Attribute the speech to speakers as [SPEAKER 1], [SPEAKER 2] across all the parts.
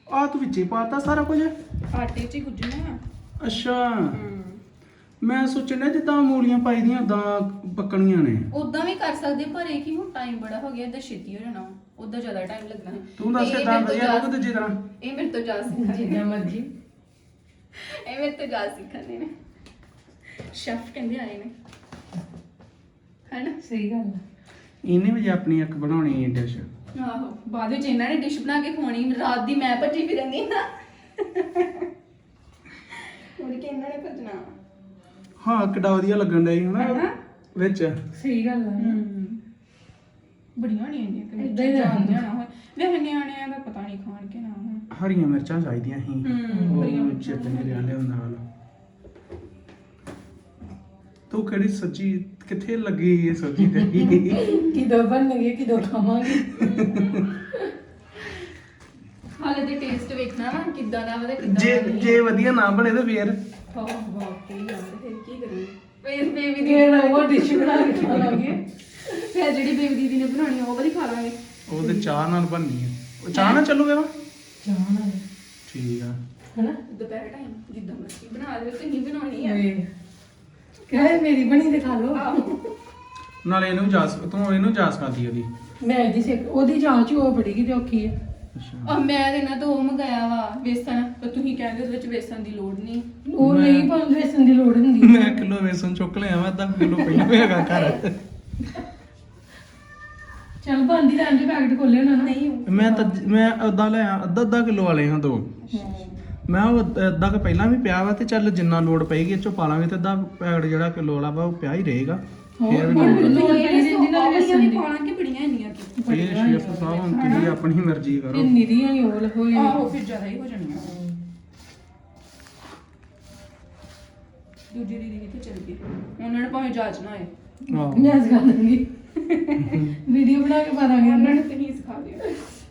[SPEAKER 1] ਆ ਤੂੰ ਵਿੱਚੇ ਪਾਤਾ ਸਾਰਾ ਕੁਝ?
[SPEAKER 2] ਆਟੇ 'ਚ ਹੀ ਗੁੱਝਣਾ।
[SPEAKER 1] ਅੱਛਾ ਮੈਂ ਸੋਚਣਾ ਜਿੱਦਾਂ ਮੂਲੀਆਂ ਪਾਈ ਦੀਆਂ ਉਦਾਂ ਪੱਕਣੀਆਂ ਨੇ।
[SPEAKER 2] ਉਦਾਂ ਵੀ ਕਰ ਸਕਦੇ ਪਰ ਇਹ ਕਿ ਹੁਣ ਟਾਈਮ ਬੜਾ ਹੋ ਗਿਆ ਇਦਾਂ ਛੇਤੀ ਹੋ ਜਾਣਾ ਉਦਾਂ ਜ਼ਿਆਦਾ ਟਾਈਮ ਲੱਗਣਾ ਹੈ।
[SPEAKER 1] ਤੂੰ ਦੱਸ
[SPEAKER 2] ਇਹ
[SPEAKER 1] ਕਿਦਾਂ
[SPEAKER 2] ਮੇਰੇ ਤੋਂ
[SPEAKER 1] ਵਧੀਆ
[SPEAKER 2] ਜਾ-
[SPEAKER 1] ਲੱਗੂ ਦੂਜੀ ਤਰ੍ਹਾਂ?
[SPEAKER 2] ਇਹ ਮੇਰੇ ਤੋਂ ਜਾ ਸਿੱਖਣ
[SPEAKER 3] ਜਿੱਦਾਂ ਮਰਜ਼ੀ।
[SPEAKER 2] ਇਹ ਮੇਰੇ ਤੋਂ ਜਾ ਸਿੱਖਣ ਨੇ ਸ਼ੈਫ ਕਹਿੰਦੇ ਆਏ ਨੇ ਹੈਨਾ।
[SPEAKER 3] ਸਹੀ ਗੱਲ ਆ।
[SPEAKER 1] ਇਹਨੇ ਵੀ ਜੇ ਆਪਣੀ ਇੱਕ ਬਣਾਉਣੀ ਹੈ ਡਿਸ਼।
[SPEAKER 2] ਆਹੋ ਬਾਅਦ ਵਿੱਚ ਇਹਨਾਂ ਨੇ ਡਿਸ਼ ਬਣਾ ਕੇ ਖਵਾਉਣੀ ਰਾਤ ਦੀ ਮੈਂ ਭੱਜੀ ਫਿਰਨੀ ਨਾ ਹੋਰ ਕਿ ਇਹਨਾਂ ਨੇ ਭੱਜਣਾ।
[SPEAKER 1] ਹਾਂ ਕਿੱਡਾ ਵਧੀਆ ਲੱਗਣ ਡਿਆ ਸੀ
[SPEAKER 2] ਹਨਾ?
[SPEAKER 1] ਹਨਾ ਵਿੱਚ।
[SPEAKER 3] ਸਹੀ ਗੱਲ ਆ।
[SPEAKER 2] ਬੜੀਆਂ ਨਹੀਂ ਆਉਂਦੀਆਂ ਕਿ
[SPEAKER 3] ਏਦਾਂ ਹੀ
[SPEAKER 2] ਜਾਣਦੇ ਨਾ ਹੋਏ ਵੇ ਨਿਆਣਿਆਂ ਦਾ ਪਤਾ ਨਹੀਂ ਖਾਣ ਕੇ ਨਾ ਹੋਣ।
[SPEAKER 1] ਹਰੀਆਂ ਮਿਰਚਾਂ ਚਾਹੀਦੀਆਂ ਸੀ।
[SPEAKER 2] ਬੜੀਆਂ
[SPEAKER 1] ਉਹ
[SPEAKER 2] ਮਿਰਚਾਂ
[SPEAKER 1] ਚਿੱਤ ਨੇ ਲਿਆ ਲਿਆਉਂਦਾ ਨਾਲ। ਤੂੰ ਕਿਹੜੀ ਸੱਚੀ ਕਿੱਥੇ ਲੱਗੀ ਇਹ ਸਬਜ਼ੀ ਤੇਰੀ?
[SPEAKER 3] ਕਿਦੋਂ ਬਣਨਗੇ ਕਿਦੋਂ ਖਾਵਾਂਗੇ।
[SPEAKER 2] ਹਾਲੇ ਤੇ ਟੇਸਟ ਵੇਖਣਾ ਵਾ ਕਿੱਦਾਂ ਦਾ ਵਾ ਤੇ ਕਿੱਦਾਂ
[SPEAKER 1] ਜੇ
[SPEAKER 2] ਦਾ ਨਹੀਂ।
[SPEAKER 1] ਜੇ ਵਧੀਆ ਨਾ ਬਣੇ ਤਾਂ ਫੇਰ
[SPEAKER 2] ਵਾਕਈ ਯਾਰ ਫਿਰ ਕੀ ਕਰਾਂ ਫਿਰ ਬੇਬੀ ਦੀ
[SPEAKER 3] ਇਹ ਉਹ ਡਿਸ਼ ਬਣਾ ਕੇ ਖਾਵਾਂਗੇ।
[SPEAKER 2] ਫਿਰ ਜਿਹੜੀ ਬੇਬੀ ਦੀਦੀ ਨੇ ਬਣਾਉਣੀ ਆ ਉਹ ਵਾਲੀ ਖਾ ਲਾਂਗੇ।
[SPEAKER 1] ਉਹ ਤੇ ਚਾਹ ਨਾਲ ਬਣਨੀ ਹੈ। ਉਹ ਚਾਹ ਨਾਲ ਚੱਲੂਗਾ ਵਾ?
[SPEAKER 3] ਜਾਣਾ
[SPEAKER 1] ਠੀਕ ਆ।
[SPEAKER 3] ਹਨਾ।
[SPEAKER 2] ਦੁਪਹਿਰ ਟਾਈਮ ਜਿੱਦਾਂ ਮਰਜ਼ੀ ਬਣਾ ਦੇ ਤੁਸੀਂ ਬਣਾਉਣੀ ਆ।
[SPEAKER 3] ਕਹੇ ਮੇਰੀ ਬਣੀ ਤੇ ਖਾ ਲਓ।
[SPEAKER 1] ਨਾਲੇ ਇਹਨੂੰ ਤੂੰ ਇਹਨੂੰ ਜਾਸ ਖਾਦੀ ਉਹਦੀ।
[SPEAKER 3] ਮੈਂ ਇਹਦੀ ਸਿੱਖ ਉਹਦੀ ਜਾਂਚ ਉਹ ਬੜੀ ਕਿਤੇ ਔਖੀ ਹੈ।
[SPEAKER 1] ਅੱਛਾ
[SPEAKER 2] ਆ ਮੈਂ ਤੇ ਇਹਨਾਂ ਤੋਂ ਉਹ ਮੰਗਾਇਆ ਵਾ ਵੇਸਣ ਪਰ ਤੁਸੀਂ ਕਹਿੰਦੇ ਉਹਦੇ ਵਿੱਚ ਵੇਸਣ ਦੀ ਲੋੜ ਨਹੀਂ।
[SPEAKER 3] ਉਹ ਨਹੀਂ ਪਾਉਂਦੇ ਵੇਸਣ ਦੀ ਲੋੜ ਹੁੰਦੀ।
[SPEAKER 1] ਮੈਂ ਕਿਲੋ ਵੇਸਣ ਚੁੱਕ ਲਿਆ ਵਾ, ਅੱਧਾ ਕਿਲੋ ਪਹਿਲਾਂ ਹੋਏਗਾ ਘਰ।
[SPEAKER 3] ਚੱਲ ਬੰਦੀ ਦਾ ਅੰਡੇ ਪੈਕਟ ਖੋਲੇ ਹੋਣਾ ਨਾ।
[SPEAKER 2] ਨਹੀਂ
[SPEAKER 1] ਮੈਂ ਅੱਧਾ ਲਿਆ, ਅੱਧਾ ਕਿਲੋ ਵਾਲੇ ਹਾਂ ਦੋ। ਮੈਂ ਉਹ ਅੱਧਾ ਕੁ ਪਹਿਲਾਂ ਵੀ ਪਿਆ ਵਾ ਤੇ ਚੱਲ ਜਿੰਨਾ ਲੋੜ ਪਏਗੀ ਇਹ ਚੋਂ ਪਾ ਲਾਂਗੇ ਤੇ ਅੱਧਾ ਪੈਕਟ ਜਿਹੜਾ ਕਿਲੋ ਵਾਲਾ ਵਾ ਉਹ ਪਿਆ ਹੀ ਰਹੇਗਾ।
[SPEAKER 3] ਹੋਰ
[SPEAKER 1] ਫਿਰ
[SPEAKER 3] ਹੁਣ
[SPEAKER 1] ਵੀ
[SPEAKER 3] ਲੋੜ ਪਈ ਜਿੰਦੀ ਨਾਲ ਵੇਸਣ ਦੀ।
[SPEAKER 2] ਪਾਉਣਾ ਕਿ ਬੜੀਆਂ ਇੰਨੀਆਂ ਕੀ
[SPEAKER 1] ਇਹ ਸ਼ੇਫ ਸਾਹਿਬ ਹੁਣ ਤੁਸੀਂ ਆਪਣੀ ਮਰਜ਼ੀ ਕਰੋ।
[SPEAKER 3] ਇੰਨੀ ਦੀਆਂ ਹੀ ਉਹ ਹੋਏ।
[SPEAKER 2] ਆਹੋ ਫਿਰ ਜ਼ਿਆਦਾ ਹੀ ਹੋ ਜਾਣੀਆਂ। ਦੂਜੀ ਦੀਦੀ ਕਿੱਥੇ ਚਲ ਗਈ ਉਹਨਾਂ ਨੇ ਭਾਵੇਂ ਜਾਂਚ ਨਾ ਹੋਏ
[SPEAKER 1] ਆਹੋ।
[SPEAKER 3] ਮੈਂ ਸਿਖਾ ਦਾਂਗੀ। ਵੀਡੀਓ ਬਣਾ ਕੇ ਪਾ ਦਾਂਗੇ
[SPEAKER 2] ਉਹਨਾਂ
[SPEAKER 3] ਉਹਨਾਂ
[SPEAKER 2] ਨੇ
[SPEAKER 3] ਨੂੰ।
[SPEAKER 2] ਤੁਸੀਂ ਸਿਖਾ ਦਿਓ।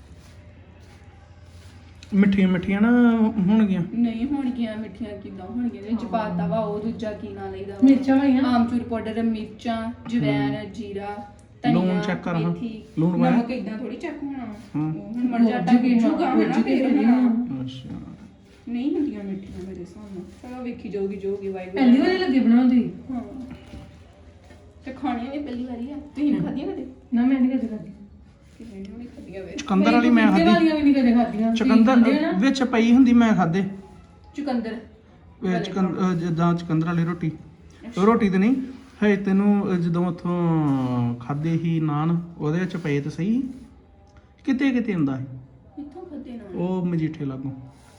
[SPEAKER 1] ਮਿੱਠੀਆਂ ਨਾ ਹੋਣਗੀਆਂ।
[SPEAKER 2] ਨਹੀਂ ਹੋਣਗੀਆਂ ਮਿੱਠੀਆਂ ਕਿੱਦਾਂ ਹੋਣਗੀਆਂ ਇਹਦੇ ਵਿੱਚ ਪਾਤਾ ਵਾ ਉਹ ਦੂਜਾ ਕੀ ਨਾਂ ਲਈਦਾ ਵਾ?
[SPEAKER 3] ਮਿਰਚਾਂ ਪਾਈਆਂ।
[SPEAKER 2] ਆਮਚੂਰ ਪਾਊਡਰ ਮਿਰਚਾਂ ਜਵੈਣ ਜੀਰਾ
[SPEAKER 1] ਲੂਣ
[SPEAKER 2] ਧਨੀਆ
[SPEAKER 1] check ਕਰ ਹਾਂ।
[SPEAKER 2] ਮੇਥੀ
[SPEAKER 1] ਲੂਣ ਪਾਇਆ?
[SPEAKER 2] ਨਮਕ ਇਦਾਂ ਥੋੜੀ ਚੈੱਕ ਹੋਣਾ ਵਾ।
[SPEAKER 1] ਹਾਂ।
[SPEAKER 2] ਉਹ ਹੁਣ ਮਰ ਜਾਟਾ ਗਿੱਜੂਗਾ ਹਨਾ ਫਿਰ ਹੋਣਾ।
[SPEAKER 1] ਅੱਛਾ
[SPEAKER 2] ਨਹੀਂ ਹੁੰਦੀਆਂ ਮਿੱਠੀਆਂ ਮੇਰੇ ਹਿਸਾਬ ਨਾਲ। ਚਲੋ ਵੇਖੀ ਜਾਊਗੀ ਵਾਈਬ
[SPEAKER 3] ਪਹਿਲੀ ਵਾਰੀ ਲੱਗੇ ਬਣਾਉਂਦੀ।
[SPEAKER 2] ਹਾਂ ਤੇ ਖਾਣੀਆਂ ਵੀ ਪਹਿਲੀ ਵਾਰੀ ਆ ਤੁਸੀਂ ਖਾਧੀਆਂ ਕਦੇ?
[SPEAKER 3] ਨਾ ਮੈਂ ਨਹੀਂ ਕਦੇ ਖਾਧੀ।
[SPEAKER 2] ਕਿਵੇਂ ਨਹੀਂ ਖਾਧੀਆਂ ਵੇ?
[SPEAKER 1] ਚੁਕੰਦਰ ਵਾਲੀ ਮੈਂ
[SPEAKER 3] ਪਪੀਤੇ
[SPEAKER 1] ਖਾਧੀ।
[SPEAKER 3] ਵਾਲੀਆਂ ਵੀ ਨਹੀਂ ਕਦੇ ਖਾਧੀਆਂ।
[SPEAKER 1] ਚੁਕੰਦਰ ਵਿੱਚ ਪਈ ਹੁੰਦੀ ਮੈਂ ਖਾਦੇ।
[SPEAKER 2] ਚੁਕੰਦਰ
[SPEAKER 1] ਜਿੱਦਾਂ ਚੁਕੰਦਰ ਵਾਲੀ ਰੋਟੀ ਤੇ ਨਹੀਂ ਹੈ ਤੈਨੂੰ ਜਦੋਂ ਉੱਥੋਂ ਖਾਦੇ ਹੀ ਨਾਨ ਉਹਦੇ ਵਿੱਚ ਪਏ ਤੇ ਸਹੀ ਕਿਤੇ ਹੁੰਦਾ ਸੀ
[SPEAKER 2] ਕਿੱਥੋਂ ਖਾਦੇ ਨਾ
[SPEAKER 1] ਉਹ ਮਜੀਠੇ ਲਾਗੋਂ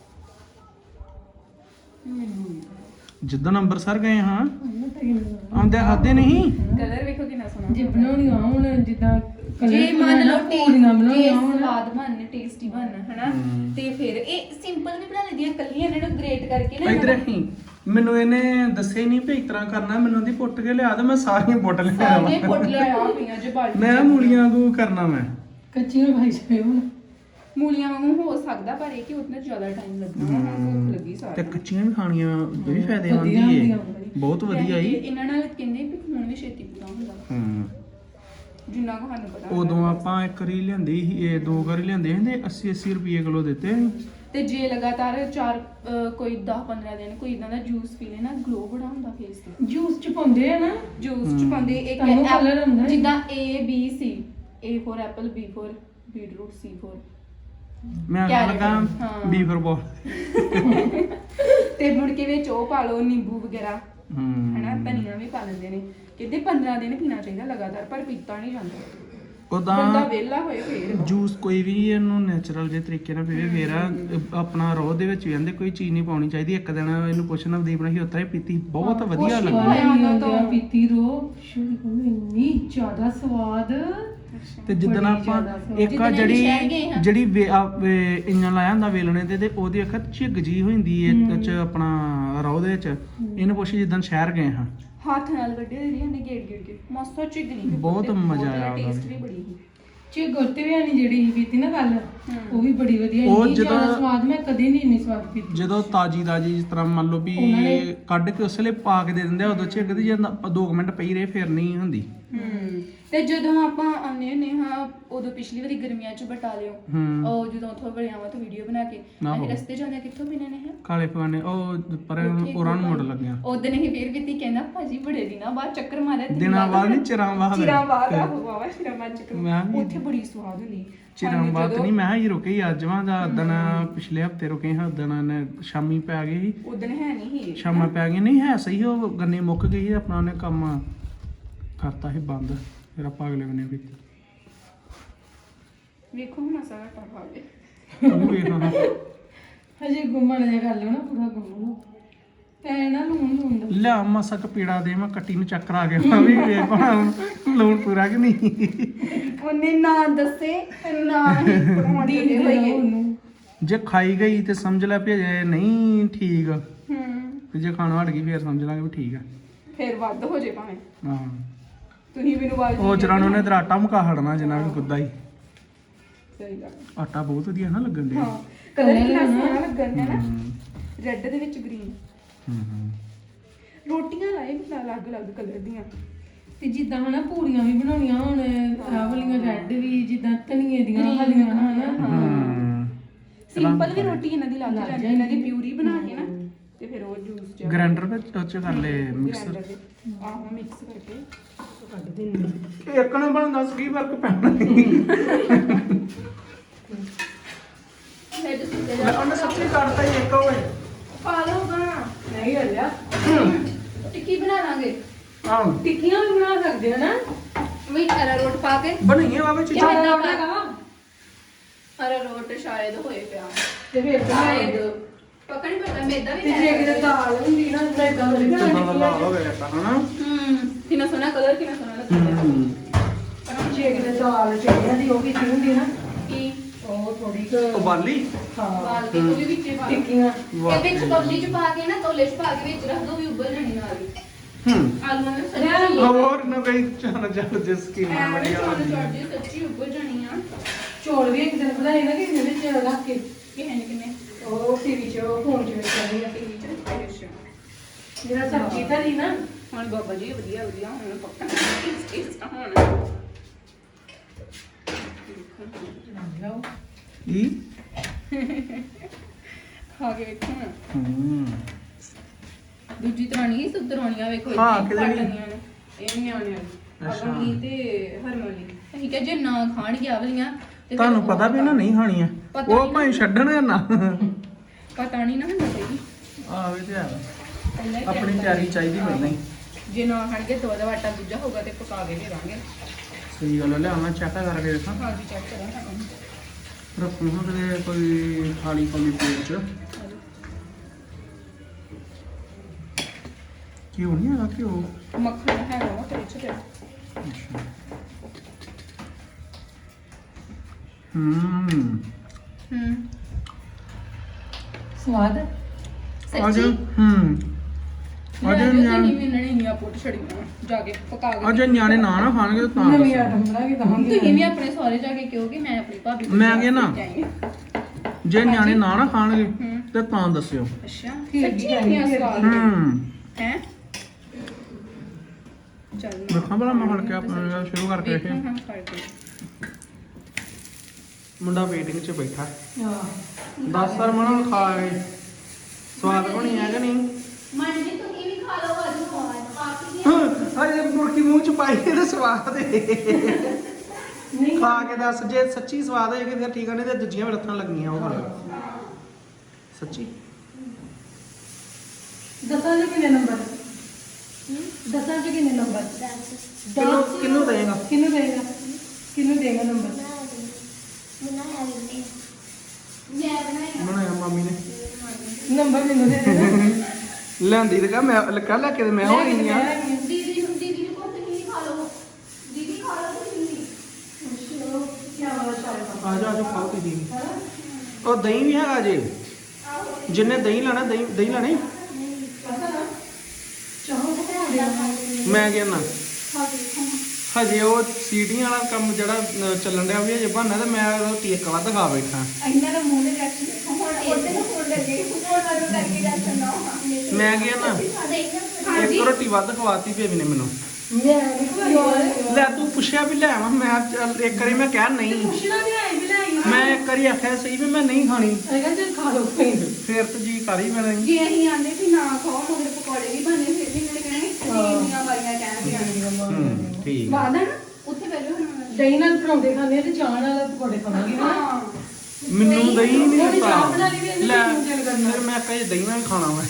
[SPEAKER 2] ਮੈਨੂੰ
[SPEAKER 1] ਜਿੱਦਣ ਅੰਮ੍ਰਿਤਸਰ ਗਏ ਹਾਂ ਆਉਂਦੇ ਖਾਦੇ ਨਹੀਂ।
[SPEAKER 2] ਕਲਰ ਵੇਖੋ ਕਿੰਨਾ ਸੋਹਣਾ
[SPEAKER 3] ਜੇ ਬਣਾਉਣੀ ਆ ਹੁਣ ਜਿੱਦਾਂ
[SPEAKER 2] ਜੇ ਮੰਨ ਲਓ
[SPEAKER 3] ਪੂਰੀਆਂ ਬਣਾਉਣੀਆਂ
[SPEAKER 2] ਜੇ
[SPEAKER 3] ਹੁਣ
[SPEAKER 2] ਸਵਾਦ ਬਣਨ ਟੇਸਟੀ ਬਣਨ ਹਨਾ ਤੇ ਫਿਰ ਇਹ ਸਿੰਪਲ ਵੀ ਬਣਾ ਲੈਂਦੀਆਂ ਕੱਲੀਆਂ ਇਹਨਾਂ ਨੂੰ ਗ੍ਰੇਟ ਕਰਕੇ ਨਾ
[SPEAKER 1] ਇਧਰ ਹੀ ਮੈਨੂੰ ਇਹਨੇ ਦੱਸੇ ਨਹੀਂ ਵੀ ਇਸ ਤਰ੍ਹਾਂ ਕਰਨਾ। ਮੈਨੂੰ ਉਹਦੀ ਪੁੱਟ ਕੇ ਲਿਆ ਤੇ ਮੈਂ ਸਾਰੀਆਂ ਪੁੱਟ ਲਿਆ
[SPEAKER 2] ਸਾਰੀਆਂ ਫੁੱਟ ਲਿਆ ਪਈਆਂ ਜੇ ਬਾਲਟੀ
[SPEAKER 1] ਮੈਂ ਮੂਲੀਆਂ ਵਾਂਗੂ ਕਰਨਾ ਮੈਂ।
[SPEAKER 3] ਕੱਚੀਆਂ ਖਾਈ ਜਾਵੇ ਹੁਣ।
[SPEAKER 2] ਮੂਲੀਆਂ ਵਾਂਗੂ ਹੋ ਸਕਦਾ ਪਰ ਇਹ ਕਿ ਉਤਨਾ ਜ਼ਿਆਦਾ ਟਾਈਮ ਲੱਗਣਾ ਵਾ ਭੁੱਖ ਲੱਗੀ
[SPEAKER 1] ਤੇ
[SPEAKER 2] ਸਾਰੀ
[SPEAKER 1] ਕੱਚੀਆਂ ਵੀ ਖਾਣੀਆਂ ਇਹ ਵੀ ਫਾਇਦੇਮੰਦ
[SPEAKER 3] ਵਧੀਆ
[SPEAKER 1] ਹੀ
[SPEAKER 3] ਹੁੰਦੀਆਂ
[SPEAKER 1] ਹੈ। ਬਹੁਤ ਵਧੀਆ ਹੀ।
[SPEAKER 2] ਇਹਨਾਂ ਨਾਲ ਕਹਿੰਦੇ ਵੀ ਹੁਣ ਵੀ ਛੇਤੀ ਪੂਰਾ ਹੁੰਦਾ ਜਿੰਨਾ ਕੁ ਸਾਨੂੰ ਪਤਾ
[SPEAKER 1] ਉਦੋਂ ਆਪਾਂ ਇੱਕ ਵਾਰੀ ਲਿਆਂਦੀ ਸੀ ਇਹ ਦੋ ਵਾਰੀ ਲਿਆਂਦੇ ਸੀ ਤੇ 80 ਰੁਪਏ ਕਿਲੋ ਦਿੱਤੇ ਸੀ।
[SPEAKER 2] ਤੇ ਜੇ ਲਗਾਤਾਰ ਕੋਈ 10-15 ਦਿਨ ਕੋਈ ਇਦਾਂ ਦਾ ਜੂਸ ਪੀ ਲੈ ਨਾ ਗਲੋ ਬੜਾ ਹੁੰਦਾ ਫੇਸ ਤੇ।
[SPEAKER 3] ਜੂਸ ਚ ਪਾਉਂਦੇ ਆ ਨਾ।
[SPEAKER 2] ਜੂਸ ਚ ਪਾਉਂਦੇ ਇੱਕ
[SPEAKER 3] ਤੁਹਾਨੂੰ colour ਹੁੰਦਾ ਹੈ।
[SPEAKER 2] ਜਿੱਦਾਂ A B C A for apple B for beetroot C for
[SPEAKER 1] ਮੈਂ
[SPEAKER 2] Carrot,
[SPEAKER 1] ਲਗਾ
[SPEAKER 2] ਹਾਂ।
[SPEAKER 1] ਬੀਫਰ ਬੋਲ
[SPEAKER 2] ਤੇ ਮੁੜ ਕੇ ਵਿੱਚ ਉਹ ਪਾ ਲਓ ਨਿੰਬੂ ਵਗੈਰਾ ਹਨਾ
[SPEAKER 1] ਹੂੰ
[SPEAKER 2] ਧਨੀਆ ਵੀ ਪਾ ਲੈਂਦੇ ਨੇ ਕਹਿੰਦੇ 15 ਦਿਨ ਪੀਣਾ ਚਾਹੀਦਾ ਲਗਾਤਾਰ ਪਰ ਪੀਤਾ ਨਹੀਂ ਜਾਂਦਾ ਬੰਦਾ
[SPEAKER 1] ਉਦਾਂ
[SPEAKER 2] ਵਿਹਲਾ ਹੋਏ ਫੇਰ
[SPEAKER 1] ਜੂਸ ਕੋਈ ਵੀ ਇਹਨੂੰ ਨੈਚੁਰਲ ਜੇ ਤਰੀਕੇ ਨਾਲ ਪੀਵੇ ਫੇਰ ਆਪਣਾ ਰੋਹ ਦੇ ਵਿੱਚ ਵੀ ਕਹਿੰਦੇ ਕੋਈ ਚੀਜ਼ ਨਹੀਂ ਪਾਉਣੀ ਚਾਹੀਦੀ। ਇੱਕ ਦਿਨ ਇਹਨੂੰ ਪੁੱਛਣਾ ਨਵਦੀਪ ਨੇ ਹੀ ਉਤਰਾ ਹੀ ਪੀਤੀ ਬਹੁਤ ਵਧੀਆ ਲੱਗੀ।
[SPEAKER 2] ਉਹਨਾਂ ਤੋਂ
[SPEAKER 3] ਪੀਤੀ ਰੋ ਸ਼ੁਰੂ ਇੰਨੀ ਜ਼ਿਆਦਾ ਸਵਾਦ।
[SPEAKER 1] ਤੇ ਜਿੱਦਣ
[SPEAKER 3] ਬੜੀ
[SPEAKER 1] ਆਪਾਂ
[SPEAKER 3] ਜ਼ਿਆਦਾ ਸਵਾਦ।
[SPEAKER 1] ਇੱਕ ਆ
[SPEAKER 2] ਜਿੱਦਣ ਅਸੀਂ ਸ਼ਹਿਰ ਗਏ ਹਾਂ।
[SPEAKER 1] ਜਿਹੜੀ ਇੰਜਨ ਲਾਇਆ ਹੁੰਦਾ ਵੇਲਣੇ ਤੇ ਉਹਦੀ ਅੱਖ ਝਿੱਗ ਜੀ ਹੋ ਜਾਂਦੀ ਹੈ ਚ ਆਪਣਾ ਰੋਹ ਦੇ ਵਿੱਚ। ਇਹਨੂੰ ਪੁੱਛ ਜਿੱਦਣ ਸ਼ਹਿਰ ਗਏ ਹਾਂ
[SPEAKER 2] ਹੱਥ ਨਾਲ ਵੱਡੇ ਦੇ ਨੇ ਗੇੜ ਕੇ ਮਸਾ ਚਿਗ ਨਹੀਂ
[SPEAKER 1] ਬਹੁਤ ਮਜ਼ਾ ਆਇਆ ਉਹਦਾ
[SPEAKER 2] ਟੇਸਟ
[SPEAKER 1] ਵੀ।
[SPEAKER 2] ਵੀ ਬੜੀ ਸੀ
[SPEAKER 3] ਚੇ ਗੁਰਤੇ ਵੀ ਨਹੀਂ ਜਿਹੜੀ ਪੀਤੀ ਨਾ ਕੱਲ ਉਹ ਵੀ ਬੜੀ ਵਧੀਆ।
[SPEAKER 1] ਉਹ
[SPEAKER 3] ਇੰਨੀ ਜ਼ਿਆਦਾ
[SPEAKER 1] ਜਦੋਂ-
[SPEAKER 3] ਸਵਾਦ ਮੈਂ ਕਦੇ ਨਹੀਂ ਇੰਨੀ ਸਵਾਦ ਪੀਤੀ।
[SPEAKER 1] ਜਦੋਂ ਤਾਜੀ ਜਿਸ ਤਰ੍ਹਾਂ ਮੰਨ ਲਓ ਵੀ
[SPEAKER 3] ਉਹਨਾਂ ਨੇ-
[SPEAKER 1] ਕੱਢ ਕੇ ਉਸਲੇ ਪਾ ਕੇ ਦੇ ਦਿੰਦੇ ਆ ਉਦੋਂ ਝਿੱਗ ਦੀ ਜਾਂਦਾ 2 ਮਿੰਟ ਪਈ ਰਹੇ ਫਿਰ ਨਹੀਂ ਹੁੰਦੀ।
[SPEAKER 2] ਤੇ ਜਦੋਂ ਆਪਾਂ ਆਉਂਦੇ ਹੁੰਦੇ ਹਾਂ ਉਦੋਂ ਪਿਛਲੀ ਵਾਰੀ ਗਰਮੀਆਂ ਚ ਬਟਾਲਿਓ ਉਹ ਜਦੋਂ ਉੱਥੋਂ ਵੜਿਆਵਾਂ ਤੋਂ ਵੀਡੀਓ ਬਣਾ ਕੇ ਅਸੀਂ ਰਸਤੇ ਜਾਂਦੇ ਕਿੱਥੋਂ ਪੀਣੇ ਨੇ ਹੈ
[SPEAKER 1] ਕਾਲੇ ਪਵਾਨੇ ਉਹ ਪਰ ਉਹਨਾਂ ਨੂੰ ਮੁੜ ਲੱਗਿਆ
[SPEAKER 2] ਉਦੋਂ ਨਹੀਂ ਫੇਰ ਵੀ ਕਹਿੰਦਾ ਭਾਜੀ ਬੜੇ ਦਿਨਾਂ ਬਾਅਦ ਚੱਕਰ ਮਾਰਿਆ
[SPEAKER 1] ਦਿਨਾਂ ਬਾਅਦ ਨਹੀਂ ਚਿਰਾਂ ਬਾਅਦ
[SPEAKER 2] ਚਿਰਾਂ ਬਾਅਦ ਆਵਾ ਚਿਰਾਂ ਬਾਅਦ ਚੱਕਰ
[SPEAKER 1] ਮੈਂ ਵੀ
[SPEAKER 2] ਉੱਥੇ ਬੜੀ ਸਵਾਦ ਹੁੰਦੀ
[SPEAKER 1] ਚਿਰਾਂ ਬਾਅਦ ਨਹੀਂ ਮੈਂ ਹੀ ਰੁਕੇ ਅੱਜ ਵਾਂ ਦਾ ਦਿਨ ਪਿਛਲੇ ਹਫਤੇ ਰੁਕੇ ਹਾਂ ਦਿਨ ਸ਼ਾਮੀ ਪੈ ਗਈ ਸੀ
[SPEAKER 2] ਉਦੋਂ ਹੈ ਨਹੀਂ ਸੀ
[SPEAKER 1] ਸ਼ਾਮਾਂ ਪੈ ਗਈ ਨਹੀਂ ਹੈ ਸਹੀ ਉਹ ਗੰਨੇ ਮੁੱਕ ਗਈ ਸੀ ਆਪਣਾ ਉਹਨੇ ਕੰਮ ਕਰਤਾ ਸੀ ਬੰਦ ਫਿਰ ਆਪਾਂ ਅਗਲੇ ਬੰਨੇ ਵੀ
[SPEAKER 2] ਵੇਖੋ ਹੁਣ ਸਾਰਾ ਟਾਪਾ ਗਏ
[SPEAKER 1] ਉਹ ਵੇਖਾਂ
[SPEAKER 3] ਹਜੇ ਗੁੰਮਣ ਜਿਹਾ ਕਰ ਲਓ ਨਾ ਪੂਰਾ ਗੁੰਮ ਲਓ ਪੈ ਨਾ ਲੂਣ ਦਾ
[SPEAKER 1] ਲਿਆ ਮਸਕ ਪੀੜਾ ਦੇ ਮੈਂ ਕੱਟੀ ਨੂੰ ਚੱਕਰ ਆ ਗਿਆ ਮੈਂ ਵੀ ਵੇਖ ਲੂਣ ਪੂਰਾ ਕਿ ਨਹੀਂ
[SPEAKER 2] ਉਹਨੇ ਨਾ ਦੱਸੇ ਨਾ ਹੀ ਪਰੌਂਠੇ ਦੇ ਹੋਈਏ
[SPEAKER 3] ਉਹਨੂੰ
[SPEAKER 1] ਜੇ ਖਾਈ ਗਈ ਤੇ ਸਮਝ ਲੈ ਵੀ ਅਜੇ ਨਹੀਂ ਠੀਕ ਤੇ ਜੇ ਖਾਣਾ ਹਟ ਗਈ ਫਿਰ ਸਮਝ ਲਾਂਗੇ ਵੀ ਠੀਕ ਆ
[SPEAKER 2] ਫੇਰ ਵੱਧ ਹੋ ਜੇ ਭਾਵੇਂ
[SPEAKER 1] ਹਾਂ
[SPEAKER 2] ਤੁਸੀਂ ਮੈਨੂੰ ਆਵਾਜ਼
[SPEAKER 1] ਉਹ ਚਰਾਂ ਨੂੰ ਨੇ ਤੇ ਆਟਾ ਮੁਕਾ ਹੜਨਾ ਜਿੰਨਾ ਵੀ ਕੁੱਦਾ ਹੀ
[SPEAKER 2] ਸਹੀ ਗੱਲ
[SPEAKER 1] ਆਟਾ ਬਹੁਤ ਵਧੀਆ ਨਾ ਲੱਗਣ ਡਿਆ
[SPEAKER 2] ਹਾਂ ਕਲਰ ਕਿੰਨਾ ਸੋਹਣਾ ਲੱਗਣ ਹੈ ਨਾ ਰੈੱਡ ਦੇ ਵਿੱਚ ਗ੍ਰੀਨ ਰੋਟੀਆਂ ਲਾਏ ਵੀ ਅਲੱਗ-ਅਲੱਗ ਕਲਰ ਦੀਆਂ
[SPEAKER 3] ਤੇ ਜਿੱਦਾਂ ਹਨਾ ਪੂਰੀਆਂ ਵੀ ਬਣਾਉਣੀਆਂ ਹੁਣ ਆਹ ਵਾਲੀਆਂ ਰੈੱਡ ਵੀ ਜਿੱਦਾਂ ਧਨੀਏ ਦੀਆਂ ਹਲੀਆਂ ਹਨਾ
[SPEAKER 2] ਸਿੰਪਲ ਵੀ ਰੋਟੀ ਇਹਨਾਂ ਦੀ ਲੱਗ ਜਾਂਦੀ ਇਹਨਾਂ ਦੀ ਪਿਊਰੀ ਬਣਾ ਕੇ ਨਾ ਤੇ ਫਿਰ ਉਹ ਜੂਸ ਚ
[SPEAKER 1] ਗ੍ਰਾਈਂਡਰ ਵਿੱਚ ਉਹ ਚ ਕਰ ਲੈ ਮਿਕਸਰ
[SPEAKER 2] ਆਹੋ ਮਿਕਸ ਕਰਕੇ
[SPEAKER 3] ਕੱਢ ਦਿੰਦੇ
[SPEAKER 1] ਇੱਕ ਨਾ ਬਣਦਾ ਸੀ ਵਰਕ ਪੈਣਾ
[SPEAKER 2] ਫਿਰ ਤੁਸੀਂ ਤੇ
[SPEAKER 1] ਉਹਨੇ ਸੱਚੀ ਕੱਢਤਾ ਹੀ ਇੱਕ ਹੋਏ
[SPEAKER 2] ਖਾ ਲਓਗਾ
[SPEAKER 3] ਨਹੀਂ ਹਲਿਆ
[SPEAKER 2] ਟਿੱਕੀ ਬਣਾ ਲਾਂਗੇ
[SPEAKER 1] ਆਹ
[SPEAKER 3] ਟਿੱਕੀਆਂ ਵੀ ਬਣਾ ਸਕਦੇ ਹੋ ਨਾ
[SPEAKER 2] ਵੀ ਅਰਾਰੋਟ ਪਾ ਕੇ
[SPEAKER 1] ਬਣਾਈਏ ਬਾਬਾ ਚੀਜ਼ਾਂ
[SPEAKER 2] ਅਰਾਰੋਟ ਸ਼ਾਇਦ ਹੋਏ ਪਿਆ
[SPEAKER 3] ਤੇ ਫਿਰ
[SPEAKER 2] ਸ਼ਾਇਦ ਪਤਾ ਨਹੀਂ ਪਤਾ ਮੈਦਾ ਵੀ
[SPEAKER 3] ਤੇ ਜੇ ਕਿਤੇ ਦਾਲ ਹੁੰਦੀ ਨਾ ਮੈਦਾ ਹੁੰਦੀ ਨਾ
[SPEAKER 1] ਕਿੰਨਾ ਲਾਲ ਹੋ ਗਿਆ ਤਾਂ ਹਨਾ
[SPEAKER 2] ਕਿੰਨਾ ਸੋਹਣਾ ਕਲਰ ਕਿੰਨਾ ਸੋਹਣਾ ਲੱਗਦਾ
[SPEAKER 3] ਜੇ ਕਿਤੇ ਦਾਲ ਚੜੀਆਂ ਦੀ ਉਹ ਵੀ ਹੁੰਦੀ ਨਾ
[SPEAKER 2] ਕੀ
[SPEAKER 3] ਉਹ ਥੋੜੀ
[SPEAKER 1] ਉਬਾਲੀ
[SPEAKER 3] ਹਾਂ
[SPEAKER 2] ਬਾਲ ਕੇ ਉਹ ਵੀ ਵਿੱਚੇ ਪਾ
[SPEAKER 3] ਟਿੱਕੀਆਂ
[SPEAKER 2] ਇਹ ਵਿੱਚ ਕੌਲੀ ਚ ਪਾ ਕੇ ਨਾ ਕੌਲੇ ਚ ਪਾ ਕੇ ਵਿੱਚ ਰੱਖ ਦੋ ਵੀ ਉੱਬਲ ਜਾਣੀ ਨਾਲ ਹੀ ਆਲੂਆਂ ਨੂੰ ਸੱਚੀ
[SPEAKER 1] ਹੋਰ ਨਾ ਕੋਈ ਚਾਹ ਚੱਲ ਜਿਸ ਕੀ ਨਾ ਬੜੀ
[SPEAKER 2] ਐਵੇਂ ਸੱਚੀ ਉੱਬਲ ਜਾਣੀ ਆ
[SPEAKER 3] ਚੌਲ ਵੀ ਇੱਕ ਦਿਨ ਬਣਾਏ ਨਾ ਕਿ ਇਹਦੇ ਵਿੱਚ ਰੱਖ ਕੇ
[SPEAKER 2] ਕਿਹਨੇ ਨੇ ਕਿੰਨੇ
[SPEAKER 3] ਉਹ ਟੀਵੀ 'ਚ ਉਹ ਫੋਨ 'ਚ ਵੇਖਿਆ ਆ
[SPEAKER 2] ਟੀਵੀ ਚ ਅੱਛਾ
[SPEAKER 3] ਜਿਹੜਾ ਸਬਜ਼ੀ ਧਰੀ ਨਾ
[SPEAKER 2] ਹੁਣ ਬਾਬਾ ਜੀ ਵਧੀਆ ਵਧੀਆ ਹੁਣ ਪੱਕਾ ਇਸ ਹੁਣ
[SPEAKER 3] ਲਓ
[SPEAKER 1] ਇਹ
[SPEAKER 2] ਖਾ ਕੇ ਵੇਖੋ ਨਾ ਦੂਜੀ ਤਰ੍ਹਾਂ ਨਹੀਂ ਸੁਧਰਾਉਣੀਆਂ ਵੇਖੋ
[SPEAKER 1] ਹਾਂ,
[SPEAKER 2] ਇੱਥੇ
[SPEAKER 1] ਕਿਹੜੀ?
[SPEAKER 2] ਕੱਟਣੀਆਂ ਨੇ ਇਹ ਨਿਆਣਿਆਂ ਦੀ
[SPEAKER 1] ਅੱਛਾ।
[SPEAKER 2] ਅਗਲੀ ਤੇ ਹਰਮਨ ਲਈ ਅਸੀਂ ਕਿਹਾ ਜੇ ਨਾ ਖਾਣਗੇ ਆਵਲੀਆਂ ਤੇ ਫਿਰ
[SPEAKER 1] ਤੁਹਾਨੂੰ
[SPEAKER 2] ਉਹ
[SPEAKER 1] ਪਤਾ ਵੀ ਨਾ ਨਹੀਂ ਖਾਣੀਆਂ
[SPEAKER 2] ਪਤਾ
[SPEAKER 1] ਉਹ
[SPEAKER 2] ਨਹੀਂ
[SPEAKER 1] ਭਾਵੇਂ ਛੱਡਣ ਨਾ
[SPEAKER 2] ਪਤਾ ਨਹੀਂ ਨਾ ਹੁੰਦਾ ਸਹੀ
[SPEAKER 1] ਆਹ ਇਹ ਤੇ ਹੈ
[SPEAKER 2] ਪਹਿਲਾਂ ਹੀ
[SPEAKER 1] ਆਪਣੀ
[SPEAKER 2] plan
[SPEAKER 1] ਤਿਆਰੀ ਚਾਹੀਦੀ ਪਹਿਲਾਂ ਹੀ
[SPEAKER 2] ਜੇ ਨਾ ਖਾਣਗੇ ਤਾਂ ਉਹਦਾ ਆਟਾ ਦੂਜਾ ਹੋਊਗਾ ਤੇ ਪਕਾ ਕੇ ਦੇਵਾਂਗੇ
[SPEAKER 1] ਸਹੀ ਗੱਲ ਹੈ ਲਿਆਉਣਾ ਚੈੱਕ ਕਰਕੇ ਦੇਖਾਂ
[SPEAKER 2] ਹਾਂ ਜੀ ਚੈੱਕ ਕਰਾਂ
[SPEAKER 1] ਰੱਖੂ ਹਾਂ ਕਿਤੇ ਕੋਈ ਖਾਲੀ ਖਾਲੀ ਪਲੇਟ ਚ ਕਿਉਂ ਨਹੀਂ ਹੈਗਾ ਕਿਉਂ
[SPEAKER 2] ਮੱਖਣ ਹੈਗਾ ਵਾ ਤੇ ਵਿੱਚ ਤੇ
[SPEAKER 1] ਅੱਛਾ
[SPEAKER 3] ਸਵਾਦ
[SPEAKER 1] ਅੱਜ ਅੱਜ
[SPEAKER 2] ਨਹੀਂ ਮਿਲਣੇ ਨਹੀਂ ਪੁੱਟ ਛੜੀਆਂ ਜਾ ਕੇ ਪਕਾ ਕੇ
[SPEAKER 1] ਅੱਜ ਨਿਆਣੇ ਨਾ ਖਾਣਗੇ ਤਾਂ
[SPEAKER 3] ਨਵੀਂ
[SPEAKER 1] ਦੱਸੋ।
[SPEAKER 3] ਆਟਮ ਬਣਾ ਕੇ ਦਵਾਂਗੇ
[SPEAKER 2] ਤੁਸੀਂ ਵੀ ਆਪਣੇ ਸਹੁਰੇ ਜਾ ਕੇ ਕਿਉਂਕਿ ਮੈਂ ਆਪਣੀ ਭਾਬੀ ਕੋਲ
[SPEAKER 1] ਮੈਂ ਕਿਹਾ ਨਾ।
[SPEAKER 2] ਜਾਈ ਹਾਂ।
[SPEAKER 1] ਜੇ ਨਿਆਣੇ ਨਾ ਖਾਣਗੇ ਤੇ ਤਾਂ ਦੱਸਿਓ
[SPEAKER 2] ਅੱਛਾ
[SPEAKER 3] ਠੀਕ
[SPEAKER 2] ਸੱਚੀ
[SPEAKER 3] ਹੈ,
[SPEAKER 2] ਇੰਨੀਆਂ
[SPEAKER 3] ਠੀਕ
[SPEAKER 2] ਸਵਾਦ ਹੈ ਚੱਲ
[SPEAKER 1] ਦੇਖਾਂ ਭਲਾ ਮੈਂ ਫੜ ਕੇ ਆਪਣਾ ਸ਼ੁਰੂ ਕਰਕੇ
[SPEAKER 2] ਵੇਖੋ
[SPEAKER 1] ਵੇਖੇ
[SPEAKER 2] ਹਾਂ ਕਰਕੇ
[SPEAKER 1] ਮੁੰਡਾ ਵੇਟਿੰਗ 'ਚ ਬੈਠਾ
[SPEAKER 3] ਹਾਂ
[SPEAKER 1] 10 ਸਾਲ ਮਣਾ ਖਾ ਗਏ ਸਵਾਦ ਬਣੀ ਹੈ ਕਿ ਨਹੀਂ
[SPEAKER 2] ਮਨ ਜੀ ਤੁਸੀਂ ਵੀ ਖਾ ਲਓ ਅੱਜ ਪਾਪੀ
[SPEAKER 1] ਹਾਏ ਮੁਰਕੀ ਮੂੰਹ 'ਚ ਪਾਈ ਤੇ ਸਵਾਦ ਹੈ
[SPEAKER 3] ਨਹੀਂ
[SPEAKER 1] ਖਾ ਕੇ ਦੱਸ ਜੇ ਸੱਚੀ ਸਵਾਦ ਹੋਏਗੀ ਫਿਰ ਠੀਕ ਆ ਨਹੀਂ ਤੇ ਦੂਜੀਆਂ ਵੀ ਲੱਥਣ ਲੱਗੀਆਂ ਉਹ ਖਾ ਲਿਓ ਸੱਚੀ
[SPEAKER 3] ਦਸਾਂ ਦੇ ਕਿੰਨੇ ਨੰਬਰ ਦਸਾਂ ਦੇ ਕਿੰਨੇ ਨੰਬਰ
[SPEAKER 1] ਕਿਹਨੂੰ ਦੇਗਾ
[SPEAKER 3] ਕਿਹਨੂੰ ਦੇਗਾ ਕਿਹਨੂੰ ਦੇਗਾ ਨੰਬਰ
[SPEAKER 2] ਮੈਂ ਬਣਾਇਆ
[SPEAKER 1] ਬਣਾਇਆ ਮਾਮੀ ਨੇ
[SPEAKER 3] ਨੰਬਰ ਮੈਨੂੰ ਦੇ ਦੇਣਾ
[SPEAKER 1] ਲੈਂਦੀ ਤੇ ਕਹ ਮੈਂ ਲੱਗਾ ਲੈ ਕੇ ਤੇ ਮੈਂ ਹੋ ਗਈ ਆ
[SPEAKER 2] ਦੀਦੀ ਨੂੰ ਕੋ ਤੁਸੀਂ ਖਾ ਲਓ ਦੀਦੀ ਖਾ ਲਓ ਤੁਸੀਂ
[SPEAKER 1] ਆ ਜਾ ਖਾਓ ਤੁਸੀਂ ਉਹ ਦਹੀਂ ਵੀ ਹੈਗਾ ਜੇ ਜਿੰਨੇ ਦਹੀਂ ਲੈਣਾ ਦਹੀਂ ਲੈਣੀ ਮੈਂ ਕਹਿੰਦਾ ਹਜੇ ਉਹ ਸੀਟੀਆਂ ਵਾਲਾ ਕੰਮ ਜਿਹੜਾ ਚੱਲਣ ਡਿਆ ਵੀ ਹਜੇ ਬਹਾਨਾ ਤੇ ਮੈਂ ਰੋਟੀ ਇੱਕ ਵੱਧ ਖਾ ਬੈਠਾ
[SPEAKER 2] ਇਹਨਾਂ ਦਾ ਮੂੰਹ ਦੇ ਰਿਐਕਸ਼ਨ ਦੇਖੋ ਹੁਣ ਉਹਦੇ ਨੂੰ ਫੋਨ ਲੱਗੇ ਫੋਨ ਨਾਲ ਕਰਕੇ ਰਿਐਕਸ਼ਨ ਨਾ
[SPEAKER 1] ਮੈਂ ਕਹਿੰਦਾ ਇੱਕ ਰੋਟੀ ਵੱਧ ਖਵਾਤੀ ਬੇਬੀ ਨੇ ਮੈਨੂੰ
[SPEAKER 3] ਮੈਂ ਨਹੀਂ ਖਵਾਈ
[SPEAKER 1] ਲੈ ਤੂੰ ਪੁੱਛਿਆ ਵੀ ਲੈ ਆਵਾਂ ਮੈਂ ਚੱਲ ਇੱਕ ਵਾਰੀ ਮੈਂ ਕਿਹਾ ਨਹੀਂ
[SPEAKER 3] ਪੁੱਛਣਾ ਵੀ ਆਈ ਵੀ ਲੈ ਆਈ
[SPEAKER 1] ਮੈਂ ਇੱਕ ਵਾਰੀ ਆਖਿਆ ਸਹੀ ਵੀ ਮੈਂ ਨਹੀਂ ਖਾਣੀ
[SPEAKER 3] ਹੈਗਾ ਚੱਲ ਖਾ ਲਓ ਕੋਈ
[SPEAKER 1] ਫੇਰ ਤਾਂ ਜੀ ਕਰ ਹੀ ਪੈਣਾ ਸੀ।
[SPEAKER 2] ਜੇ ਅਸੀਂ ਆਂਦੇ ਵੀ ਨਾ ਖਾਓ ਮਗਰ ਪਕੌੜੇ ਵੀ ਬਣੇ ਫਿਰ ਵੀ ਮੇਰੇ ਕਹਿਣੇ ਇੰਨੀਆਂ ਵਾਰੀਆਂ ਕਹਿ ਕੇ
[SPEAKER 1] ਠੀਕ
[SPEAKER 2] ਬਾਅਦ ਨਾ ਉੱਥੇ ਬੈਠੋ ਹੁਣ
[SPEAKER 3] ਦਹੀਂ ਨਾਲ ਪਰੌਂਠੇ ਖਾਣੇ ਤੇ ਚਾਹ ਨਾਲ ਪਕੌੜੇ ਖਾਵਾਂਗੇ ਨਾ
[SPEAKER 2] ਹਾਂ
[SPEAKER 1] ਮੈਨੂੰ ਦਹੀਂ ਨਹੀਂ
[SPEAKER 3] ਉਹਨੇ
[SPEAKER 1] ਦਿੱਤਾ
[SPEAKER 3] ਚਾਹ ਬਣਾ ਲਈ ਵੀ ਇਹਨੇ
[SPEAKER 1] ਲੈ
[SPEAKER 3] ਕਿਉਂ ਦਿਲ ਕਰਨਾ?
[SPEAKER 1] ਫਿਰ ਮੈਂ ਕਹੇ ਦਹੀਂ ਨਾਲ ਖਾਣਾ ਮੈਂ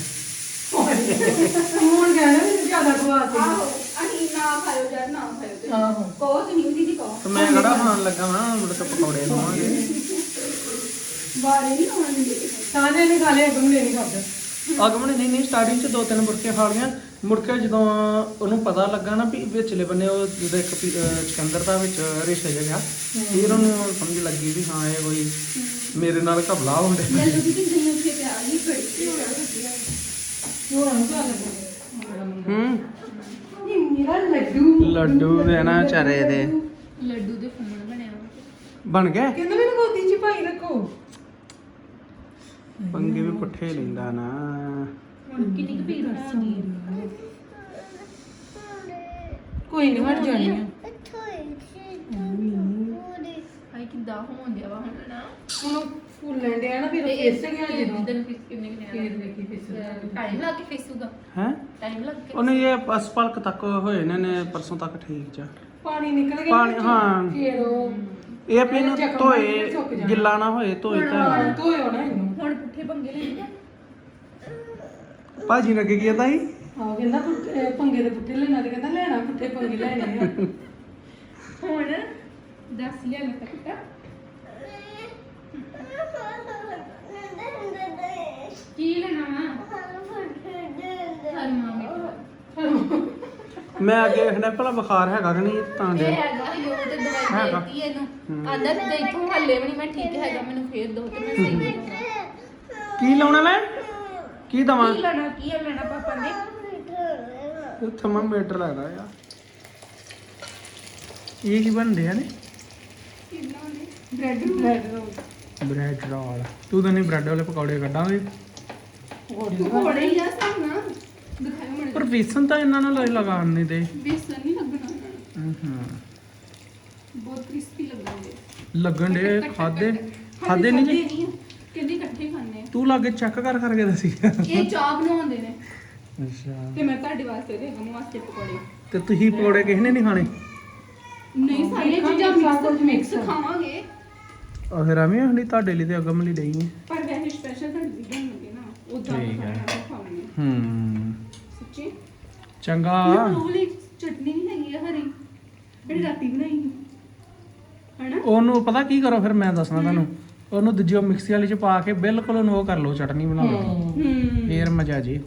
[SPEAKER 3] ਹੁਣ ਕਹਿਣਾ ਵੀ ਜ਼ਿਆਦਾ ਖਵਾ ਤੇ
[SPEAKER 2] ਆਹੋ ਅਸੀਂ ਨਾ ਖਾਇਓ ਜਦ ਨਾ ਖਾਇਓ ਤੇ
[SPEAKER 3] ਆਹੋ
[SPEAKER 2] ਕਹੋ ਤੇ ਨਹੀਂ ਦੀਦੀ ਕਹੋ
[SPEAKER 1] ਤੇ ਮੈਂ ਕਿਹੜਾ ਖਾਣ ਲੱਗਾ ਵਾਂ ਮੁੜ ਕੇ ਪਕੌੜੇ ਖਾਵਾਂਗੇ
[SPEAKER 2] ਬਾਰੇ ਨਹੀਂ ਆਉਣ ਦਿੰਦੇ
[SPEAKER 3] ਸਾਰੇ ਨੇ ਖਾ ਲਿਆ ਅਗਮ ਨੇ ਨਹੀਂ ਖਾਦਾ
[SPEAKER 1] ਅਗਮਨ ਨੇ ਨਹੀਂ ਸਟਾਰਟਿੰਗ ਚ 2-3 ਮੁਰਕੇ ਖਾ ਲਈਆਂ ਮੁੜ ਕੇ ਜਦੋਂ ਉਹਨੂੰ ਪਤਾ ਲੱਗਾ ਨਾ ਵੀ ਵਿਚਲੇ ਬੰਨੇ ਉਹ ਜਦੋਂ ਇੱਕ ਚਕੰਦਰ ਦਾ ਵਿੱਚ ਰੇਸ਼ਾ ਜਿਹਾ ਫਿਰ ਉਹਨੂੰ ਸਮਝ ਲੱਗੀ ਵੀ ਹਾਂ ਇਹ ਕੋਈ ਮੇਰੇ ਨਾਲ ਘਬਲਾ ਹੁੰਦੇ
[SPEAKER 2] ਲੈ ਲੋ ਦੀਦੀ ਦਹੀਂ ਉੱਥੇ ਪਿਆ ਨਹੀਂ ਬੜੀ ਹੋ ਰਿਹਾ
[SPEAKER 3] ਹੋਰ ਨੂੰ ਖਾ ਲੱਗਾ
[SPEAKER 1] ਹੂੰ
[SPEAKER 3] ਇਹ ਮੇਰਾ ਲੱਡੂ
[SPEAKER 1] ਲੱਡੂ ਦੇ ਨਾ ਚਾਰੇ ਦੇ
[SPEAKER 2] ਲੱਡੂ ਦੇ ਫੁੱਲ ਬਣਿਆ
[SPEAKER 1] ਬਣ ਗਏ
[SPEAKER 3] ਕਹਿੰਦਾ ਮੈਨੂੰ ਗੋਦੀ 'ਚ ਪਾਈ ਰੱਖੋ
[SPEAKER 1] ਪੰਗੇ ਵੀ ਪੁੱਠੇ ਲੈਂਦਾ ਨਾ
[SPEAKER 2] ਕਿੰਨੀ ਕੁ ਭੀੜ ਹੋਣੀ
[SPEAKER 3] ਕੋਈ ਨਹੀਂ ਹਟ ਜਾਣੀ ਆ
[SPEAKER 2] ਹਾਈ ਕਿੱਦਾਂ ਹੋਣ ਦਿਆ ਵਾ ਹੁਣ ਨਾ
[SPEAKER 3] ਹੁਣ ਫੁੱਲਣ ਡਿਆ ਨਾ ਫਿਰ ਉਹ ਫਿਸ ਗਿਆ ਜਦੋਂ
[SPEAKER 2] ਦਿਨ ਫਿਸ ਕਿੰਨੇ
[SPEAKER 3] ਫਿਰ
[SPEAKER 2] ਕਿੰਨੇ
[SPEAKER 3] ਵੇਖੀ ਫਿਸ
[SPEAKER 2] ਟਾਈਮ ਲੱਗ ਕੇ ਫਿਸੂਗਾ
[SPEAKER 1] ਹੈ
[SPEAKER 2] ਟਾਈਮ ਲੱਗ ਕੇ
[SPEAKER 1] ਉਹਨੇ ਇਹ ਅਸਪਲਕ ਤੱਕ ਹੋਏ ਨੇ ਪਰਸੋਂ ਤੱਕ ਠੀਕ ਜਾ
[SPEAKER 3] ਪਾਣੀ ਨਿਕਲ ਗਿਆ
[SPEAKER 1] ਪਾਣੀ,
[SPEAKER 3] ਵਿੱਚੋਂ।
[SPEAKER 1] ਹਾਂ।
[SPEAKER 3] ਫਿਰ ਉਹ
[SPEAKER 1] ਇਹ ਵੀ ਇਹਨੂੰ
[SPEAKER 3] ਜ਼ਖਮ
[SPEAKER 1] ਧੋਏ
[SPEAKER 3] ਸੁੱਕ ਜਾਣਾ।
[SPEAKER 1] ਗਿੱਲਾ ਨਾ ਹੋਏ ਧੋਏ ਤਾਂ
[SPEAKER 3] ਹਾਂ, ਧੋਇਓ ਨਾ ਇਹਨੂੰ
[SPEAKER 2] ਹੁਣ ਪੁੱਠੇ ਪੰਗੇ ਲੈਣੇ
[SPEAKER 1] ਭਾਜੀ ਨੇ ਕੀ ਕੀਤਾ ਸੀ
[SPEAKER 3] ਹਾਂ ਕਹਿੰਦਾ ਪੰਗੇ ਦੇ ਪੁੱਠੇ ਲੈਣਾ ਤੇ ਕਹਿੰਦਾ ਲੈਣਾ ਪੁੱਠੇ ਪੰਗੇ ਲੈਣੇ ਆ
[SPEAKER 2] ਹੁਣ ਦੱਸ ਲਿਆ ਨਾ ਤੱਕ ਕੀ ਲੈਣਾ ਵਾ ਹਰ ਮਾਮੇ
[SPEAKER 1] ਮੈਂ ਅੱਗੇ ਵੇਖਣਾ ਭਲਾ ਬੁਖਾਰ ਹੈਗਾ ਕਿ ਨਹੀਂ ਤਾਂ
[SPEAKER 2] ਇਹ
[SPEAKER 1] ਦੇ
[SPEAKER 2] ਹੈਗਾ ਯੋ ਤੇ ਦਵਾਈ
[SPEAKER 1] ਹੈਗਾ।
[SPEAKER 2] ਦੇਤੀ ਇਹਨੂੰ ਆਂਦਾ ਤੇ ਇਥੋਂ ਹੱਲੇ ਵੀ ਨਹੀਂ ਮੈਂ ਠੀਕ ਹੈਗਾ ਮੈਨੂੰ ਫੇਰ ਦੋ ਤੇ ਮੈਂ ਸਹੀ ਹੋ ਜਾਊਂਗਾ
[SPEAKER 1] ਕੀ ਲਾਉਣਾ ਮੈਂ ਕੀ ਦਵਾਂ
[SPEAKER 2] ਕੀ ਲੈਣਾ ਪਾਪਾ ਨੇ
[SPEAKER 1] ਥਰਮਾਮੀਟਰ ਲੱਗਦਾ ਆ ਇਹ ਕੀ ਬਣਦੇ ਆ ਨੇ
[SPEAKER 2] ਬ੍ਰੈਡ
[SPEAKER 1] ਬ੍ਰੈਡ ਰੋਲ ਤੂੰ ਤਾਂ ਨਹੀਂ ਬ੍ਰੈਡ ਵਾਲੇ ਪਕੌੜੇ ਕੱਢਾਂਗੇ
[SPEAKER 2] ਪਕੌੜੇ ਹੀ ਆ ਸਭ ਨਾ ਦਿਖਾਓ ਮੈਨੂੰ
[SPEAKER 1] ਪਰ ਵੇਸਨ ਤਾਂ ਇਹਨਾਂ ਨੂੰ ਲਗਾਉਣ ਨਹੀਂ ਦੇ
[SPEAKER 2] ਬੇਸਨ ਨਹੀਂ ਲੱਗਣਾ ਇਹਨਾਂ ਨੂੰ।
[SPEAKER 1] ਹਾਂ
[SPEAKER 2] ਬਹੁਤ ਕ੍ਰਿਸਪੀ ਲੱਗਣਗੇ
[SPEAKER 1] ਲੱਗਣ ਦੇ ਖਾਦੇ ਨਹੀਂ ਜੀ
[SPEAKER 2] ਜੀ ਕਹਿੰਦੇ ਇਕੱਠੇ ਖਾਣੇ
[SPEAKER 1] ਤੂੰ ਲਾਗੇ ਚੈੱਕ ਕਰ ਕਰਕੇ ਦੱਸੀ
[SPEAKER 2] ਇਹ ਚਾਹ ਬਣਾਉਂਦੇ ਨੇ
[SPEAKER 1] ਅੱਛਾ
[SPEAKER 2] ਤੇ ਮੈਂ ਤੁਹਾਡੇ ਵਾਸਤੇ ਦੇ ਗਮ ਵਾਸਤੇ ਪਕੌੜੇ
[SPEAKER 1] ਤੇ ਤੁਸੀਂ ਪਕੌੜੇ ਕਿਸੇ ਨੇ ਨਹੀਂ ਖਾਣੇ
[SPEAKER 2] ਨਹੀਂ ਸਾਰੀਆਂ ਚੀਜ਼ਾਂ ਮਿਕਸ ਖਾਵਾਂਗੇ
[SPEAKER 1] ਆ ਫਿਰ ਐਵੇਂ ਹਣੀ ਤੁਹਾਡੇ ਲਈ ਤੇ ਅਗਮ ਲਈ ਡਈ ਹੈ
[SPEAKER 2] ਪਰ ਵੈਸੇ ਸਪੈਸ਼ਲ ਤੁਹਾਡੇ ਲਈ ਬਣਨਗੇ ਨਾ ਉਦਾਂ
[SPEAKER 1] ਠੀਕ ਹੈ।
[SPEAKER 2] ਖਾਵਾਂਗੇ ਸੱਚੀ
[SPEAKER 1] ਚੰਗਾ
[SPEAKER 2] ਉਹ ਵਾਲੀ ਚਟਨੀ ਨਹੀਂ ਹੈਗੀ ਆ ਹਰੀ ਜਿਹੜੀ ਰਾਤੀ ਬਣਾਈ ਸੀ ਹਨਾ
[SPEAKER 1] ਉਹਨੂੰ ਪਤਾ ਕੀ ਕਰੋ ਫਿਰ ਮੈਂ ਦੱਸਣਾ ਤੁਹਾਨੂੰ ਉਹਨੂੰ ਦੂਜੀ ਮਿਕਸੀ ਵਾਲੀ ਚ ਪਾ ਕੇ ਬਿਲਕੁਲ ਉਹਨੂੰ ਉਹ ਕਰ ਲਓ ਚਟਨੀ ਬਣਾ ਲਓ ਫੇਰ ਮਜ਼ਾ ਜੀ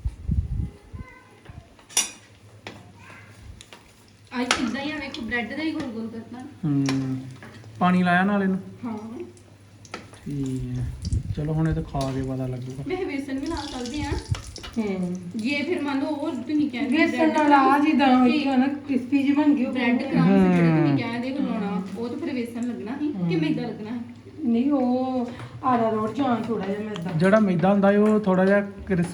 [SPEAKER 2] ਅੱਜ ਕਿੱਦਾਂ ਹੀ ਆ ਵੇਖੋ ਬ੍ਰੈਡ ਦਾ ਹੀ ਗੋਲ ਗੋਲ ਕਰਨਾ
[SPEAKER 1] ਪਾਣੀ ਲਾਇਆ ਨਾਲ ਇਹਨੂੰ
[SPEAKER 2] ਹਾਂ
[SPEAKER 1] ਠੀਕ ਹੈ ਚਲੋ ਹੁਣ ਇਹ ਤਾਂ ਖਾ ਕੇ ਪਤਾ ਲੱਗੂਗਾ
[SPEAKER 2] ਮੈਂ ਵੇਸਨ ਵੀ ਲਾ ਸਕਦੀ ਆ ਜੇ ਫਿਰ ਮੰਨ ਲਓ ਉਹ ਤੁਸੀਂ ਕਹਿੰਦੇ
[SPEAKER 3] ਵੇਸਣ ਨਾਲ ਆ ਜਿੱਦਾਂ ਹੋਈ ਆ ਨਾ ਕ੍ਰਿਸਪੀ ਜਿਹੀ ਬਣ ਗਈ ਉਹ
[SPEAKER 2] ਬ੍ਰੈਡ ਕ੍ਰੰਬਸ ਜਿਹੜੇ ਤੁਸੀਂ ਕਹਿੰਦੇ ਹੋ ਲਾਉਣਾ ਉਹ ਤਾਂ ਫਿਰ ਵੇਸਣ ਲੱਗਣਾ ਸੀ ਕਿ ਮੈਦਾ ਲੱਗਣਾ ਸੀ
[SPEAKER 3] ਨਹੀਂ ਉਹ ਆਰਾ ਰੋਟ ਜਾਂ ਥੋੜਾ ਜਿਹਾ ਮੈਦਾ
[SPEAKER 1] ਜਿਹੜਾ ਮੈਦਾ ਹੁੰਦਾ ਹੈ ਉਹ ਥੋੜਾ ਜਿਹਾ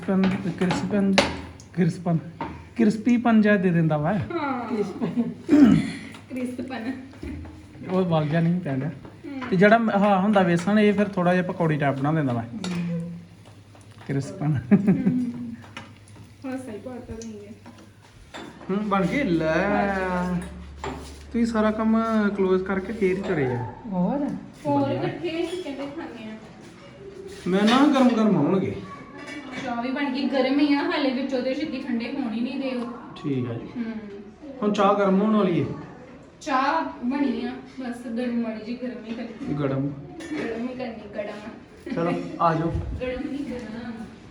[SPEAKER 1] ਕ੍ਰਿਸਪੀਪਨ ਜਿਹਾ ਦੇ ਦਿੰਦਾ ਵਾ
[SPEAKER 2] ਹਾਂ ਕ੍ਰਿਸਪਨ
[SPEAKER 1] ਉਹ ਵਗ ਜਾ ਨਹੀਂ ਪੈਂਦਾ ਤੇ ਜਿਹੜਾ ਹਾਂ ਹੁੰਦਾ ਵੇਸਣ ਇਹ ਫਿਰ ਥੋੜਾ ਜਿਹਾ ਪਕੌੜੀ ਟਾਈਪ ਬਣਾ ਦਿੰਦਾ ਵਾ ਕ੍ਰਿਸਪਨ
[SPEAKER 2] ਹਾਂ ਸਹੀ ਬਾਤ ਹੈ ਨਹੀਂ
[SPEAKER 1] ਬਣ ਗਈ ਲੈ ਤੁਸੀਂ ਸਾਰਾ ਕੰਮ ক্লোਜ਼ ਕਰਕੇ ਫੇਰ ਚੜੇ ਆ
[SPEAKER 3] ਹੋਰ
[SPEAKER 2] ਹੋਰ ਇਕੱਠੇ ਕਹਿੰਦੇ ਖਾਣੇ ਆ
[SPEAKER 1] ਮੈਂ ਨਾ ਗਰਮ ਗਰਮ ਆਉਣਗੇ
[SPEAKER 2] ਚਾਹ ਵੀ ਬਣ ਗਈ ਗਰਮ ਹੀ ਆ ਹਾਲੇ ਵਿੱਚ ਉਹਦੇ ਛੇਤੀ ਠੰਡੇ ਹੋਣ ਹੀ ਨਹੀਂ ਦੇ ਉਹ
[SPEAKER 1] ਠੀਕ ਹੈ ਜੀ ਹੁਣ ਚਾਹ ਗਰਮ ਹੋਣ ਵਾਲੀ ਹੈ
[SPEAKER 2] ਚਾਹ ਬਣੀ ਆ ਬਸ ਗਰਮ ਮਾੜੀ ਜੀ ਗਰਮ ਹੀ ਕਰਨੀ
[SPEAKER 1] ਗਰਮ
[SPEAKER 2] ਗਰਮ ਹੀ ਕਰਨੀ ਗੜਮ
[SPEAKER 1] ਚਲੋ ਆ ਜਾਓ
[SPEAKER 2] ਗਰਮ ਨਹੀਂ ਕਰਨਾ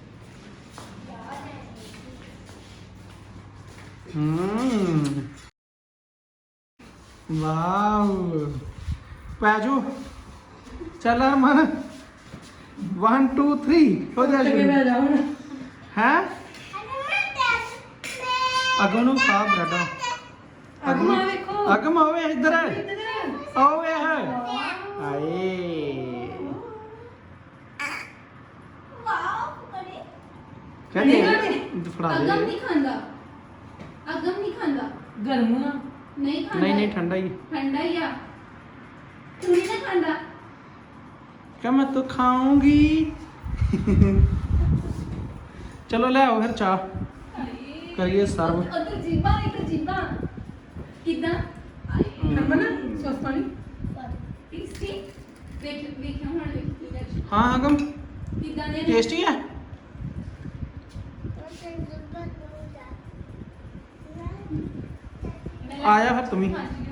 [SPEAKER 1] ਵਾਓ ਪੈਜੋ ਚੱਲ ਅਰਮਨ 1 2 3 ਹੋ ਜਾ
[SPEAKER 3] ਅੱਗੇ ਬਹਿ ਜਾ ਹੁਣ
[SPEAKER 1] ਹੈ ਅਗਮ ਨੂੰ ਖਾ ਬਰਾਡਾ
[SPEAKER 3] ਅਗਮ ਆ ਵੇਖੋ
[SPEAKER 1] ਅਗਮ ਆਵੇ ਇੱਧਰ ਆਵੇ ਹੈ ਆਏ ਕਹਿੰਦੇ ਫੜਾ
[SPEAKER 2] ਅਗਮ
[SPEAKER 1] ਦੇ
[SPEAKER 2] ਨਹੀਂ ਖਾਂਦਾ ਅਗਮ ਨਹੀਂ ਖਾਂਦਾ
[SPEAKER 3] ਗਰਮ ਨਾ
[SPEAKER 2] ਨਹੀਂ ਖਾਂਦਾ
[SPEAKER 1] ਨਹੀਂ ਨਹੀਂ ਠੰਡਾ ਹੀ
[SPEAKER 2] ਠੰਡਾ ਹੀ ਆ ਤੂੰ ਨਹੀਂ ਨਾ ਖਾਂਦਾ
[SPEAKER 1] क्या मैं तो खाऊंगी चलो ले आओ फिर चाह करिए सर्व
[SPEAKER 2] ਉਧਰ ਜੀਬਾਂ ਕਿਦਾਂ
[SPEAKER 3] ਨੰਬਰ ਨਾ ਸੌਸ ਪਾਣੀ
[SPEAKER 2] ਟੇਸਟੀ ਵੇਖ ਹੁਣ ਵੇਖ
[SPEAKER 1] हाँ अगम
[SPEAKER 2] ਕਿਦਾਂ ਦੇ
[SPEAKER 1] टेस्टी है आया फिर तुम ही